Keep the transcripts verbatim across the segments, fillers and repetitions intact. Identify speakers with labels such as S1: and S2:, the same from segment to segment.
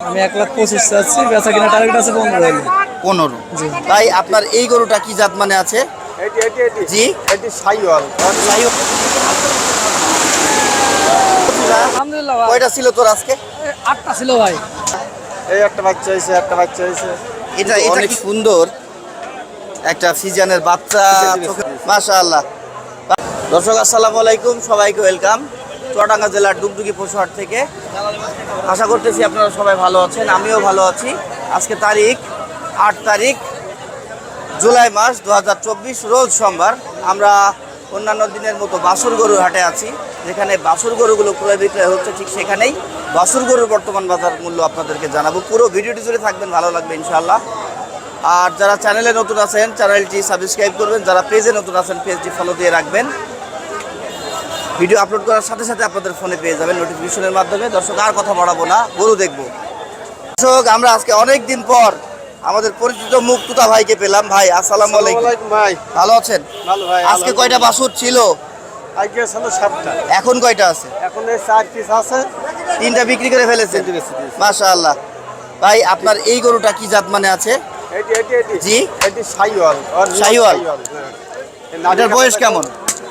S1: আমি এক লাখ পঁচিশ চাচ্ছি, বেচা কিনা টার্গেট আছে পনেরো হলে।
S2: পনেরো।
S1: জি
S2: ভাই আপনার এই গরুটা কি জাত মানে আছে?
S3: এটি এটি এটি
S2: জি
S3: এটি সাইওয়াল।
S2: সাইওয়াল।
S1: আলহামদুলিল্লাহ ভাই।
S2: কয়টা ছিল তোর আজকে?
S1: এ, আটটা ছিল ভাই।
S3: এই একটা বাচ্চা হয়েছে, একটা বাচ্চা হয়েছে।
S2: এটা এটা অনেক সুন্দর একটা ফিজিয়ানের বাচ্চা। মাশাআল্লাহ। দর্শক আসসালামু আলাইকুম, সবাইকে ওয়েলকাম চুয়াডাঙ্গা জেলার ডুগডুগি পশুহাট থেকে। আশা করতেছি আপনারা সবাই ভালো আছেন, আমিও ভালো আছি। আজকে তারিখ আট তারিখ জুলাই মাস দু হাজার চব্বিশ, রোজ সোমবার। আমরা অন্যান্য দিনের মতো বাছুর গরুর হাটে আছি, যেখানে বাছুর গরুগুলো ক্রয় বিক্রয় হচ্ছে, ঠিক সেখানেই বাছুর গরুর বর্তমান বাজার মূল্য আপনাদেরকে জানাবো। পুরো ভিডিওটি জুড়ে থাকবেন, ভালো লাগবে ইনশাআল্লাহ। আর যারা চ্যানেলে নতুন আছেন চ্যানেলটি সাবস্ক্রাইব করবেন, যারা পেজে নতুন আছেন পেজটি ফলো দিয়ে রাখবেন। ভিডিও আপলোড করার সাথে সাথে আপনাদের ফোনে পেয়ে যাবেন নোটিফিকেশনের মাধ্যমে। দর্শক আর কথা বাড়াবো না, গরু দেখবো। দর্শক আমরা আজকে অনেক দিন পর আমাদের পরিচিত মুখ তুতা ভাইকে পেলাম। ভাই আসসালামু আলাইকুম।
S3: ভাই
S2: ভালো আছেন?
S3: ভালো ভাই।
S2: আজকে কয়টা বাছুর ছিল?
S3: আজকে ছিল সাতটা,
S2: এখন কয়টা আছে?
S3: এখন এই চার পিস আছে।
S2: তিনটা বিক্রি করে ফেলেছেন?
S3: তিনটে বেশি দিয়েছি।
S2: মাশাআল্লাহ। ভাই আপনার এই গরুটা কি জাত মানে আছে?
S3: এটি এটি এটি
S2: জি
S3: এটি সাইওয়াল।
S2: সাইওয়াল। এটার বয়স কেমন?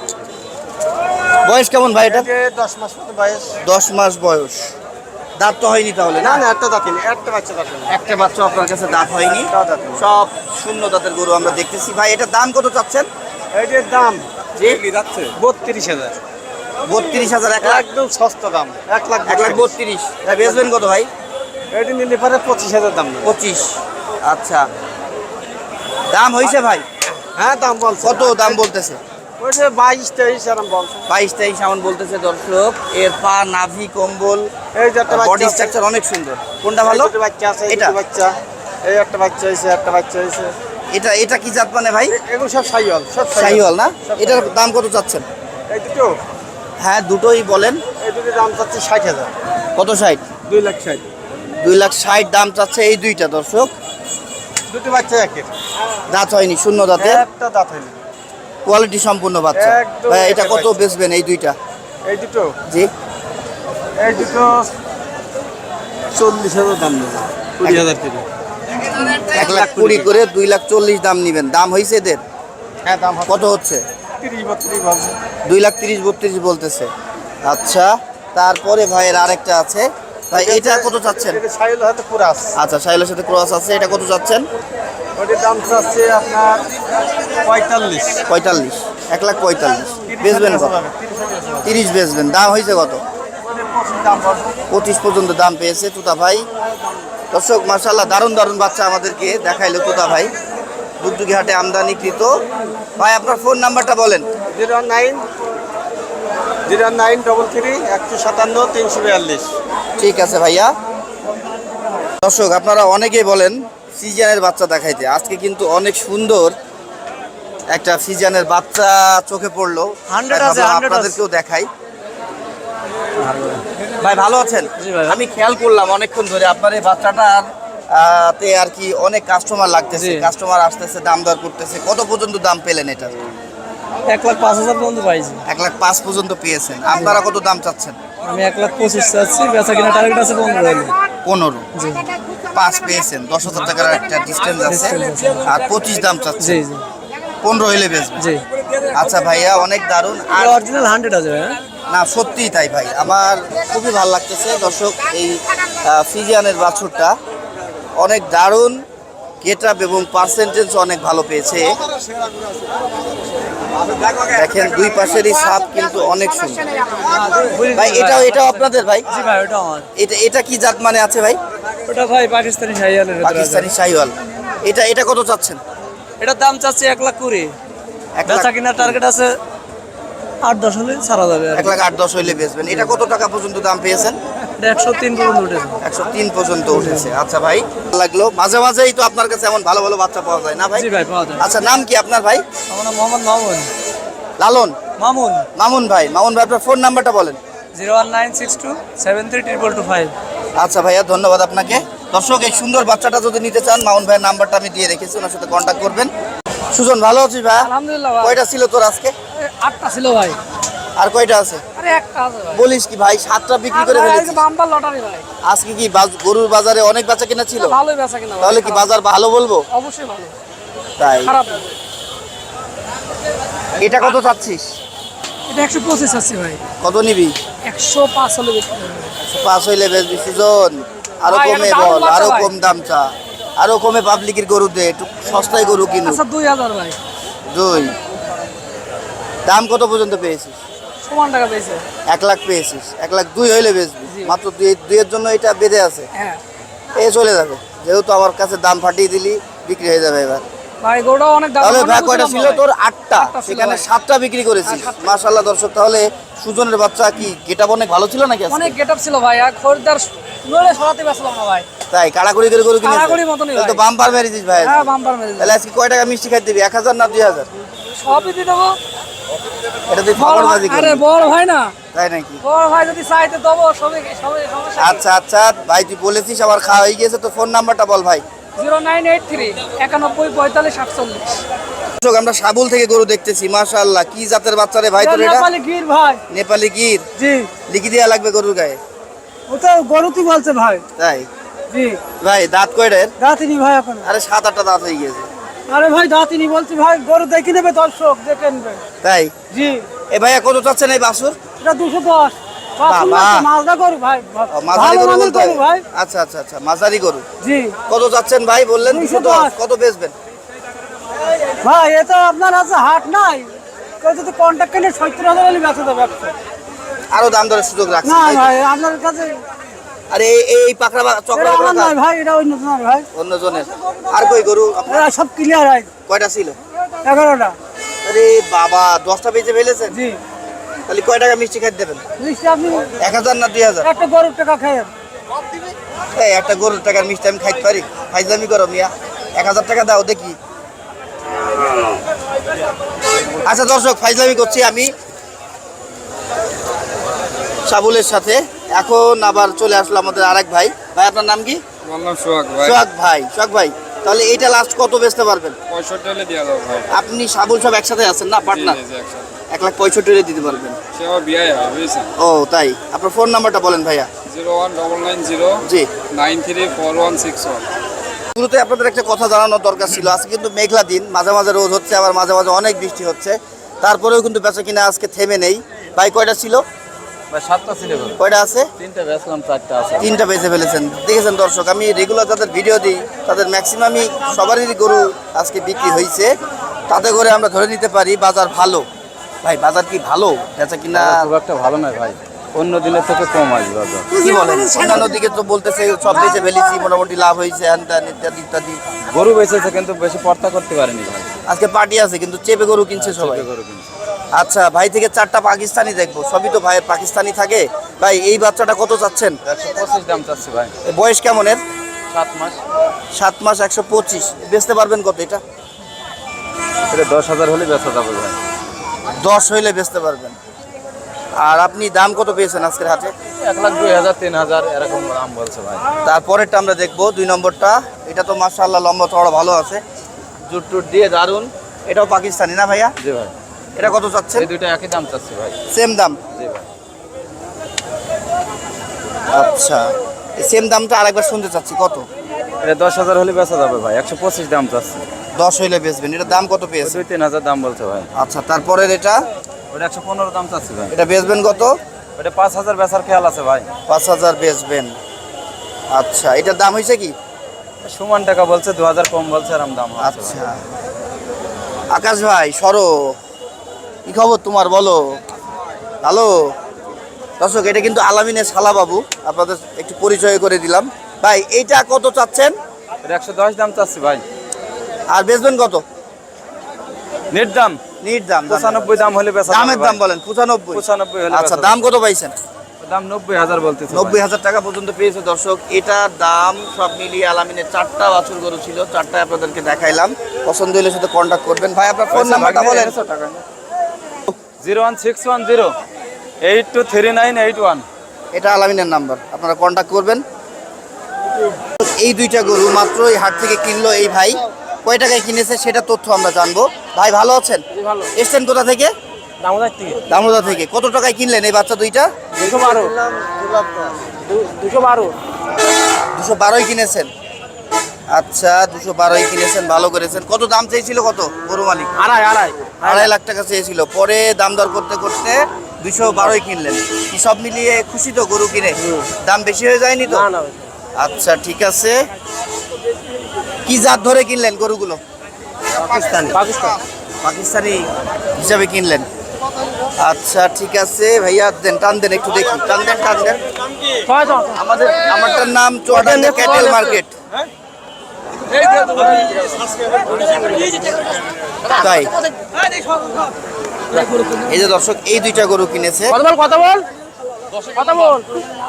S2: বয়স কেমন ভাই এটা?
S3: দশ মাস মতো বয়স।
S2: দশ মাস বয়স। দাঁত তো হয়নি তাহলে?
S3: না
S2: না
S3: না, একটা দাঁতিনি, একটা বাচ্চা দাঁতিনি।
S2: একটা বাচ্চা আপনার কাছে দাঁত হয়নি,
S3: একটা দাঁতিনি।
S2: সব শূন্য দাঁতের গরু আমরা দেখতেছি। ভাই এটার দাম কত চাচ্ছেন?
S3: এটির দাম
S2: জি
S3: যাচ্ছে বত্রিশ হাজার।
S2: বত্রিশ হাজার। এক লাখ
S3: একদম সস্তা দাম, এক লাখ
S2: এক লাখ বত্রিশ। ভাই বেচবেন কত ভাই?
S3: এটি নিলে পারে পঁচিশ হাজার দাম নেবে।
S2: পঁচিশ। আচ্ছা, দাম হয়েছে ভাই?
S3: হ্যাঁ দাম বলছে।
S2: কত দাম বলতেছে?
S3: ওই যে বাইশ তেইশ এরকম বলছে।
S2: বাইশ তেইশ এমন বলতেছে দর্শক। এর পা, নাভি, কম্বল,
S3: এই যে একটা
S2: বডি
S3: বাচ্চা আছে।
S2: স্ট্রাকচার অনেক সুন্দর। কোনটা ভালো?
S3: এই দুটো বাচ্চা আছে, এই
S2: এটা?
S3: দুটো বাচ্চা। এই একটা বাচ্চা হয়েছে, একটা বাচ্চা হয়েছে।
S2: এটা এটা কি জাত মানে ভাই?
S3: এ- এগুলো সব সাইওয়াল, সব
S2: শাহিওয়াল না?
S3: সব
S2: এটার দাম কত চাচ্ছেন?
S3: এই দুটো,
S2: হ্যাঁ দুটোই বলেন।
S3: এই দুটো দাম চাচ্ছে ষাট হাজার।
S2: কত? ষাট।
S3: দুই লাখ ষাট।
S2: দুই লাখ ষাট দাম চাচ্ছে এই দুইটা দর্শক।
S3: দুটো বাচ্চা একের,
S2: দাঁত হয়নি, শূন্য দাঁতে,
S3: একটা দাঁত হয়নি।
S2: কোয়ালিটি সম্পূর্ণ বাচ্চা।
S3: একদম
S2: ভাই এটা
S3: একের
S2: কত
S3: বাচ্চা।
S2: বেচবেন এই দুইটা?
S3: এই দুটো,
S2: জি
S3: এই দুটো চল্লিশ হাজার দাম নেবে, কুড়ি হাজার থেকে।
S2: এক লাখ কুড়ি করে দুই লাখ চল্লিশ দাম নিবেন। দাম হয়েছে এদের?
S3: হ্যাঁ দাম
S2: কত হচ্ছে?
S3: তিরিশ বত্রিশ বলছে।
S2: দুই লাখ তিরিশ বত্রিশ বলতেছে। আচ্ছা, তারপরে ভাইয়ের আরেকটা আছে। ভাই এটা কত চাচ্ছেন?
S3: এটা সাইওয়াল হাতে পুরাস।
S2: আচ্ছা, সাইলের সাথে ক্রস আছে, এটা কত চাচ্ছেন?
S3: ওটির দাম চাচ্ছে আপনার পঁয়তাল্লিশ।
S2: পঁয়তাল্লিশ। এক লাখ পঁয়তাল্লিশ। বেচবেন কত? তিরিশ বেচবেন। দাম হয়েছে কত?
S3: দাম বলছে।
S2: পঁচিশ পর্যন্ত দাম পেয়েছে তুতা ভাই। দর্শক মাশাআল্লাহ, দারুণ দারুণ বাচ্চা আমাদেরকে দেখাইলো তুতা ভাই, ডুগডুগি হাটে আমদানিকৃত। ভাই আপনার ফোন নাম্বারটা বলেন।
S3: Zero nine zero nine double three একশো সাতান্ন তিনশো বিয়াল্লিশ।
S2: ঠিক আছে ভাইয়া। দর্শক আপনারা অনেকেই বলেন ফিজিয়ানের বাচ্চা দেখাইতে, আজকে কিন্তু অনেক সুন্দর একটা ফিজিয়ানের বাচ্চা চোখে পড়লো।
S1: হান্ড্রেড
S2: তাই
S1: আছে,
S2: ভাবলাম
S1: হান্ড্রেড আছে।
S2: আপনাদেরকেও দেখাই। ভাই ভালো আছেন?
S1: জি ভাই।
S2: আমি খেয়াল করলাম অনেকক্ষণ ধরে আপনার এই বাচ্চাটার আহ, তে আর কি অনেক কাস্টমার লাগতেছে,
S1: জি।
S2: কাস্টমার আসতেছে, দাম দর করতেছে। কত পর্যন্ত দাম পেলেন এটা?
S1: এক লাখ পাঁচ হাজার পর্যন্ত পাইছি।
S2: এক লাখ পাঁচ পর্যন্ত পেয়েছেন। আপনারা কত দাম চাচ্ছেন?
S1: আমি এক লাখ পঁচিশ চাচ্ছি, বেচা কিনা টার্গেট আছে পনেরো হলে।
S2: পনেরো।
S1: জি
S2: পাঁচ পেয়েছেন, দশ হাজার টাকার একটা ডিস্টেন্স আছে। আর পঁচিশ দাম চাচ্ছে,
S1: জি জি
S2: পনেরো হইলে বেচবেন।
S1: জি।
S2: আচ্ছা ভাইয়া, অনেক দারুণ। আর
S1: অরিজিনাল হান্ড্রেড আছে ভাই।
S2: না সত্যিই তাই ভাই, আমার খুবই ভালো লাগতেছে। দর্শক এই আহ, ফিজিয়ানের বাছুরটা অনেক দারুণ, গেট আপ এবং পার্সেন্টেজ অনেক ভালো পেয়েছে। দেখেন দুই পাশেরই সাপ কিন্তু অনেক সুন্দর। ভাই এটাও এটাও আপনাদের ভাই?
S1: জি ভাই, ওটা আমার।
S2: এটা এটা কি জাত মানে আছে ভাই?
S1: ওটা ভাই পাকিস্তানি শাহিওয়ালের ভিতরে আছে।
S2: পাকিস্তানি শাহিওয়াল। এটা এটা কত চাচ্ছেন?
S1: এটার দাম চাচ্ছে এক লাখ কুড়ি,
S2: এক লাখ
S1: বেচা কিনা টার্গেট আছে আট দশ হলে ছাড়া যাবে।
S2: এক লাখ আট দশ হইলে বেচবেন। এটা কত টাকা পর্যন্ত দাম পেয়েছেন?
S1: এটা একশো তিন পর্যন্ত উঠেছে।
S2: একশো তিন পর্যন্ত উঠেছে। আচ্ছা ভাই, ভালো লাগলো। মাঝে মাঝেই তো আপনার কাছে এমন ভালো ভালো বাচ্চা পাওয়া যায় না ভাই?
S1: জি ভাই, পাওয়া যায়।
S2: আচ্ছা, নাম কি আপনার ভাই?
S1: আমার নাম মোহাম্মদ মামুন।
S2: লালন?
S1: মামুন।
S2: মামুন ভাই। মামুন ভাই আপনার ফোন নাম্বারটা বলেন।
S1: Zero one nine six two seven three triple two five.
S2: আচ্ছা ভাইয়া, ধন্যবাদ আপনাকে। দর্শক এই সুন্দর বাচ্চাটা যদি নিতে চান, মামুন ভাইয়ের নাম্বারটা আমি দিয়ে রেখেছি, ওনার সাথে কন্ট্যাক্ট করবেন। সুজন ভালো আছিস ভাই?
S1: আলহামদুলিল্লাহ ভাই।
S2: কয়টা ছিল তোর আজকে?
S1: এ, আটটা ছিল ভাই।
S2: আর কয়টা আছে?
S1: আরে একটা আছে ভাই।
S2: বলিস কি ভাই, সাতটা বিক্রি করে ফেলেছিস?
S1: বাম্পার লটারি ভাই।
S2: আজকে কি বাজ- গরুর বাজারে অনেক বেচা কিনা ছিল?
S1: ভালোই বেচা কিনা ভাই।
S2: তাহলে কি বাজার ভালো বলবো?
S1: অবশ্যই ভালো।
S2: তাই
S1: খারাপ না।
S2: এটা কত চাচ্ছিস?
S1: এটা একশো পঁচিশ আছে ভাই।
S2: কত নিবি?
S1: একশো পাঁচ হলে বিক্রি করবো।
S2: পাঁচ হইলে বেচবি সুজন, আরো
S1: ভাই,
S2: কমে
S1: এটা দারুণ
S2: বল,
S1: বাচ্চা
S2: আরো
S1: ভাই।
S2: কম দাম চা, আরো কমে পাবলিকের গরু দে, একটু সস্তায় গরু কিনু।
S1: আচ্ছা দুই হাজার ভাই।
S2: দুই দাম কত পর্যন্ত পেয়েছিস?
S1: সমান টাকা পেয়েছে।
S2: এক লাখ পেয়েছিস, এক লাখ দুই হইলে বেচবি।
S1: জি।
S2: মাত্র দুই দুইয়ের জন্য এটা বেঁধে আছে,
S1: হ্যাঁ
S2: এ চলে যাবে। যেহেতু আমার কাছে দাম ফাটিয়ে দিলি, বিক্রি হয়ে যাবে এবার।
S1: ভাই গরুটা অনেক দাম।
S2: তাহলে
S1: অনেক
S2: ভাই কয়টা
S1: বুঝলাম
S2: ছিল
S1: ভাই।
S2: তোর? আটটা।
S1: আটটা ছিল
S2: সেখানে
S1: ভাই।
S2: সাতটা বিক্রি করেছিস।
S1: হ্যাঁ, সাতটা।
S2: মাশাআল্লাহ দর্শক, তাহলে সুজনের বাচ্চা কি গেটআপ অনেক ভালো ছিল নাকি আজকে?
S1: অনেক গেটআপ ছিল ভাই, আর খরিদ্দার নড়ে সরাতে পারছিলাম না ভাই।
S2: তাই কাড়াকড়ি করে গরু কিনেছিস?
S1: কাড়াকড়ির মতনই
S2: তাহলে তো
S1: ভাই।
S2: বাম্পার মেরেছিস ভাই।
S1: হ্যাঁ বাম্পার মেরে দিল।
S2: তাহলে আজকে কয় টাকা মিষ্টি খাই দিবি? এক হাজার না দুই হাজার?
S1: সবই দিয়ে দেবো।
S2: এটা তুই
S1: বড়
S2: ফাঁকড়
S1: ভাই-
S2: বাজি
S1: আরে
S2: করবি,
S1: বড় ভাই না,
S2: তাই নাকি?
S1: বড় ভাই যদি চাইতে দেবো সবই সবই সমস্যা।
S2: আচ্ছা আচ্ছা ভাই, তুই বলেছিস আমার খাওয়া হয়ে গিয়েছে, তো ফোন নাম্বারটা বল ভাই।
S1: জিরো নাইন এইট থ্রি একানব্বই পঁয়তাল্লিশ সাতচল্লিশ।
S2: দর্শক, আমরা সাবুল থেকে গরু দেখতেছি। মাশাআল্লাহ, কি জাতের বাচ্চা রে ভাই তোর এটা?
S1: নেপালি গির ভাই।
S2: নেপালি গির।
S1: জি
S2: লিখি দেওয়া লাগবে গরুর গায়ে।
S1: ওটা গরুতি বলছে ভাই।
S2: তাই
S1: জি
S2: ভাই, দাঁত কয়টার?
S1: দাঁতিনি ভাই এখন।
S2: আরে সাত আটটা দাঁত হয়ে গিয়েছে।
S1: আরে ভাই দাঁতিনি বলছি ভাই, গরু দেখে নেবে দর্শক, দেখে নেবে।
S2: তাই
S1: জি
S2: এ ভাইয়া কত চাচ্ছেন এই বাছুর?
S1: এটা দুশো দশ।
S2: বাবা।
S1: মাজদা গরু ভাই।
S2: ও, মাঝারি
S1: ভালো
S2: গরু
S1: মানের
S2: বলতে
S1: গরু ভাই।
S2: আচ্ছা আচ্ছা আচ্ছা, মাঝারি গরু।
S1: জি
S2: কত চাচ্ছেন ভাই? বললেন
S1: দুইশো
S2: দুশো দশ।
S1: দশ।
S2: কত বেচবেন?
S1: ভাই এটা আপনার আছে হাট নাই, কেউ যদি কন্ট্যাক্ট কিনে সত্তর হাজার হলে বেঁচে দেবে একশো।
S2: আরো দাম দরের সুযোগ রাখছি।
S1: না ভাই আপনার কাছে
S2: আরে এই- এই পাকড়া বা- চকড়া
S1: এটা আমার
S2: গরুটা
S1: নয় ভাই, এটা অন্য জনের ভাই।
S2: অন্য জনের। আর কই গরু আপনার?
S1: এরা সব ক্লিয়ার হয়।
S2: কয়টা ছিল?
S1: এগারোটা।
S2: আরে বাবা, দশটা বেচে ফেলেছেন।
S1: জি
S2: তাহলে কয় টাকা মিষ্টি খাই দেবেন?
S1: মিষ্টি আপনি
S2: এক হাজার না দুই হাজার?
S1: একটা গরুর টাকা খেয়ে।
S2: এই একটা গরুর টাকার মিষ্টি আমি খাইতে পারি? ফাইজলামি করো মিয়া, এক হাজার টাকা দাও দেখি। আচ্ছা দর্শক, ফাইজলামি করছি আমি সাবুলের সাথে। এখন আবার চলে আসলো আমাদের আরেক ভাই। ভাই আপনার নাম কি?
S3: আমার নাম সোহাগ ভাই।
S2: সোহাগ ভাই। সোহাগ ভাই, তাহলে এইটা লাস্ট কত বেচতে পারবেন?
S3: পঁয়ষট্টি হলে দেওয়া যাবে ভাই।
S2: আপনি সাবুল সব একসাথে আছেন না, পার্টনার?
S3: জি, জি, একসাথে।
S2: এক লাখ পঁয়ষট্টি হলে দিতে পারবেন।
S3: সে আমার বিয়ে হয় বুঝেছেন।
S2: ও তাই, আপনার ফোন নাম্বারটা বলেন ভাইয়া।
S3: Zero one double nine zero
S2: জি,
S3: nine three four one six one.
S2: শুরুতে আপনাদের একটা কথা জানানোর দরকার ছিল। আজকে কিন্তু মেঘলা দিন, মাঝে মাঝে রোদ হচ্ছে, আবার মাঝে মাঝে অনেক বৃষ্টি হচ্ছে, তারপরেও কিন্তু বেচা কিনা আজকে থেমে নেই। ভাই কয়টা ছিল?
S3: ভাই সাতটা ছিল।
S2: কয়টা আছে?
S3: তিনটা বেচলাম, চারটা আছে।
S2: তিনটা বেঁচে ফেলেছেন। দেখেছেন দর্শক, আমি রেগুলার যাদের ভিডিও দিই তাদের ম্যাক্সিমামই সবারই গরু আজকে বিক্রি হয়েছে। তাতে করে আমরা ধরে নিতে পারি বাজার ভালো। ভাই বাজার কি ভালো? বেচা কিনা
S3: খুব একটা ভালো নয় ভাই, অন্য দিনের থেকে কম আসবে বাজার।
S2: কি বলেন? অন্যান্য দিকে তো বলতেছে সব বেচে ফেলেছি, মোটামুটি লাভ হয়েছে, হ্যান ত্যান ইত্যাদি ইত্যাদি।
S3: গরু বেঁচেছে কিন্তু বেশি পর্তা করতে পারেনি ভাই।
S2: আজকে পার্টি আছে কিন্তু চেপে গরু কিনছে সবাই।
S3: গরু কিনছে।
S2: আচ্ছা ভাই, থেকে চারটা পাকিস্তানি দেখবো, সবই তো ভাইয়ের পাকিস্তানি থাকে। ভাই এই বাচ্চাটা কত চাচ্ছেন?
S3: একশো পঁচিশ দাম চাচ্ছি ভাই।
S2: এ বয়স কেমন এর?
S3: সাত মাস।
S2: সাত মাস, একশো পঁচিশ। বেচতে পারবেন কত এটা?
S3: এটা দশ হাজার হলে বেচা যাবে ভাই।
S2: দশ হইলে বেচতে পারবেন। আর আপনি দাম কত পেয়েছেন আজকের হাটে?
S3: এক লাখ দুই হাজার তিন হাজার এরকম দাম বলছে ভাই।
S2: তারপরেরটা আমরা দেখবো, দুই নম্বরটা। এটা তো মাশাআল্লাহ লম্বা চড়া ভালো আছে, জুট টুট দিয়ে দারুন। এটাও পাকিস্তানি না ভাইয়া?
S3: জি ভাই।
S2: এটা কত চাচ্ছেন?
S3: এই দুইটা একই দাম চাচ্ছি ভাই।
S2: সেম দাম?
S3: জি ভাই।
S2: আচ্ছা, সেম দামটা আরেকবার শুনতে চাচ্ছি, কত?
S3: এটা দশ হাজার হলে বেচা যাবে ভাই, একশো পঁচিশ দাম চাচ্ছি।
S2: দশ হইলে বেচবেন। এটার দাম কত
S3: ওই
S2: পেয়েছে?
S3: দুই তিন হাজার দাম বলছে ভাই।
S2: আচ্ছা, তারপরের এটা?
S3: ওটা একশো পনেরো দাম চাচ্ছি ভাই।
S2: এটা বেচবেন কত?
S3: ওটা পাঁচ হাজার বেচার খেয়াল আছে ভাই।
S2: পাঁচ হাজার বেচবেন। আচ্ছা, এটার দাম হয়েছে কি?
S3: সমান টাকা বলছে, দু হাজার কম বলছে, এরম দাম হচ্ছে ভাই।
S2: আচ্ছা, আকাশ ভাই সরো, কি খবর তোমার বলো? হ্যালো দর্শক, এটা কিন্তু আলামিনের শালা বাবু, আপনাদের একটু পরিচয় করে দিলাম। ভাই এইটা কত চাচ্ছেন?
S3: এটা একশো দশ দাম চাচ্ছি ভাই।
S2: আর বেচবেন কত?
S3: নেট দাম
S2: নিট দাম? দাম-
S3: পঁচানব্বই দাম হলে বেচা
S2: দামের দাম বলেন। পঁচানব্বই?
S3: পঁচানব্বই হলে
S2: আচ্ছা,
S3: বেচা
S2: দাম কত পাইছেন?
S3: যাবে। দাম নব্বই হাজার বলতেছে ভাই।
S2: নব্বই হাজার টাকা পর্যন্ত পেয়েছে দর্শক। এটার দাম সব মিলিয়ে আলামিনের চারটা বাছুর গরু ছিল, চারটা আপনাদেরকে দেখাইলাম। পছন্দ হলে সাথে কন্ট্যাক্ট করবেন। ভাই আপনার ফোন নাম্বারটা বলেন।
S3: Zero one six one zero eight two three nine eight one.
S2: এটা আলামিনের নাম্বার, আপনারা কন্ট্যাক্ট করবেন। এই দুইটা গরু মাত্র এই হাট থেকে কিনলো এই ভাই। কয় টাকায় কিনেছে সেটা তথ্য আমরা জানবো। ভাই ভালো আছেন?
S1: ভালো।
S2: এসছেন কোথা থেকে?
S1: দামোদর থেকে
S2: দামোদা থেকে। কত টাকায় কিনলেন এই বাচ্চা দুইটা?
S1: দুশো বারো দুশো বারো
S2: দুশো বারোই কিনেছেন। আচ্ছা, দুশো বারোই কিনেছেন, ভালো করেছেন। কত দাম চেয়েছিল কত গরু মালিক?
S1: আড়াই আড়াই
S2: আড়াই লাখ টাকা চেয়েছিল, পরে দাম দর করতে করতে দুশো বারোই কিনলেন। কি সব মিলিয়ে খুশি তো গরু কিনে? দাম বেশি হয়ে যায়নি তো?
S1: না না
S2: আচ্ছা ঠিক আছে। কি জাত ধরে কিনলেন গরুগুলো?
S1: পাকিস্তানি পাকিস্তান
S2: পাকিস্তানি হিসাবে কিনলেন। আচ্ছা ঠিক আছে ভাইয়া, দেন টান দেন, একটু দেখি, টান দেন টান দেন। আমাদের আমারটার নাম চুয়াডাঙ্গা ক্যাটেল মার্কেট। তাই এই যে দর্শক, এই দুইটা গরু কিনেছে।
S1: কথা বল কথা বল কথা বল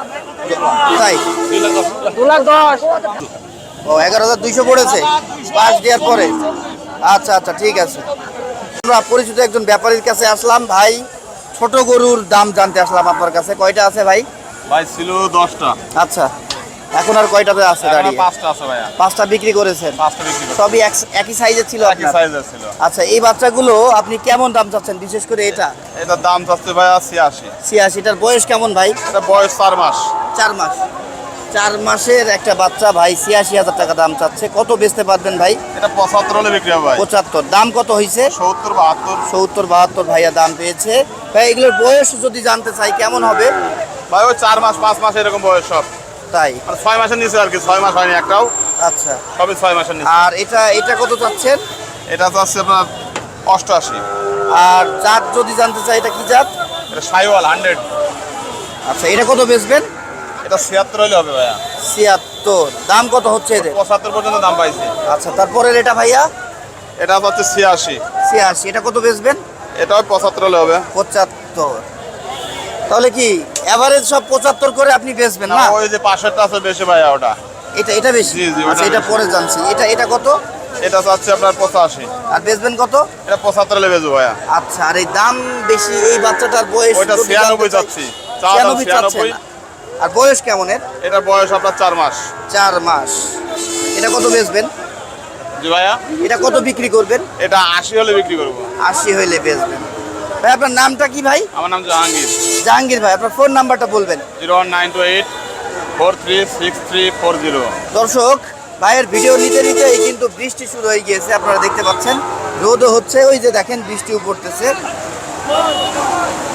S2: তাই
S1: দু লাখ দশ
S2: ও এগারো হাজার দুইশো পড়েছে পাঁচ দেওয়ার পরে। আচ্ছা আচ্ছা ঠিক আছে। আমরা পরিচিত একজন ব্যাপারীর কাছে আসলাম ভাই, ছোট গরুর দাম জানতে আসলাম আপনার কাছে। কয়টা আছে ভাই?
S3: ভাই ছিল দশটা,
S2: আচ্ছা, এখন আর কয়টাতে আছে দাঁড়িয়ে?
S3: পাঁচটা আছে ভাইয়া,
S2: পাঁচটা বিক্রি করেছেন।
S3: পাঁচটা বিক্রি করছি।
S2: সবই এক- একই সাইজের ছিল
S3: একই
S2: আপনার?
S3: সাইজের ছিল।
S2: আচ্ছা, এই বাচ্চাগুলো আপনি কেমন দাম চাচ্ছেন, বিশেষ করে এটা?
S3: এটার দাম চাচ্ছে ভাইয়া ছিয়াশি।
S2: ছিয়াশিটার বয়স কেমন ভাই?
S3: এটা বয়স চার মাস।
S2: চার মাস। চার মাসের একটা বাচ্চা ভাই ছিয়াশি হাজার টাকা দাম চাচ্ছে। কত বেচতে পারবেন ভাই?
S3: এটা পঁচাত্তর হলে বিক্রি হবে ভাই।
S2: পঁচাত্তর। দাম কত হয়েছে?
S3: সত্তর বাহাত্তর।
S2: সত্তর বাহাত্তর ভাইয়া দাম পেয়েছে। ভাই এগুলোর বয়স যদি জানতে চাই কেমন হবে?
S3: ভাই ওই চার মাস পাঁচ মাস এরকম বয়স সব,
S2: তাই?
S3: মানে ছয় মাসের নিচে আর কি, ছয় মাস হয়নি একটাও,
S2: আচ্ছা।
S3: সবই ছয় মাসের নিচে।
S2: আর এটা এটা কত চাচ্ছেন?
S3: এটা চাচ্ছে আপনার অষ্টআশি।
S2: আর জাত যদি জানতে চাই, এটা কি জাত?
S3: এটা সাইওয়াল হান্ড্রেড।
S2: আচ্ছা, এটা কত বেচবেন?
S3: এটা ছিয়াত্তর হলে হবে ভাইয়া।
S2: ছিয়াত্তর। দাম কত হচ্ছে এদের?
S3: পঁচাত্তর পর্যন্ত দাম পাইছে।
S2: আচ্ছা, তারপরের এটা ভাইয়া?
S3: এটা হচ্ছে ছিয়াশি।
S2: ছিয়াশি। এটা কত বেচবেন?
S3: এটাও পঁচাত্তর হলে হবে।
S2: পঁচাত্তর। তাহলে কি এভারেজ সব পঁচাত্তর করে আপনি বেচবেন না?
S3: ওই যে পাশেরটা আছে বেশি ভাইয়া, ওটা
S2: এটা এটা বেশি?
S3: জি, জি, ওটা
S2: আচ্ছা, এটা
S3: বেশি।
S2: পরে জানছি। এটা এটা কত?
S3: এটা চাচ্ছে আপনার পঁচাশি।
S2: আর বেচবেন কত?
S3: এটা পঁচাত্তর হলে বেচবো ভাইয়া।
S2: আচ্ছা, আর এই দাম বেশি এই বাচ্চাটার বয়স?
S3: ওইটা
S2: যদি
S3: ছিয়ানব্বই
S2: জানতে চাই।
S3: চাচ্ছি। চা দাম
S2: ছিয়ানব্বই চাচ্ছেন।
S3: ছিয়ানব্বই।
S2: আর বয়স কেমন এর?
S3: এটা বয়স আপনার চার মাস।
S2: চার মাস। এটা কত বেচবেন?
S3: জি ভাইয়া,
S2: এটা কত বিক্রি করবেন?
S3: এটা আশি হলে বিক্রি করবো।
S2: আশি হইলে বেচবেন। ভাই আপনার নামটা কি ভাই?
S3: আমার নাম জাহাঙ্গীর।
S2: জাহাঙ্গীর ভাই, আপনার ফোন নাম্বারটা বলবেন।
S3: Zero one nine two eight four three six three four zero.
S2: দর্শক, ভাইয়ের ভিডিও নিতে নিতেই কিন্তু বৃষ্টি শুরু হয়ে গিয়েছে, আপনারা দেখতে পাচ্ছেন। রোদও হচ্ছে, ওই যে দেখেন বৃষ্টিও পড়তেছে।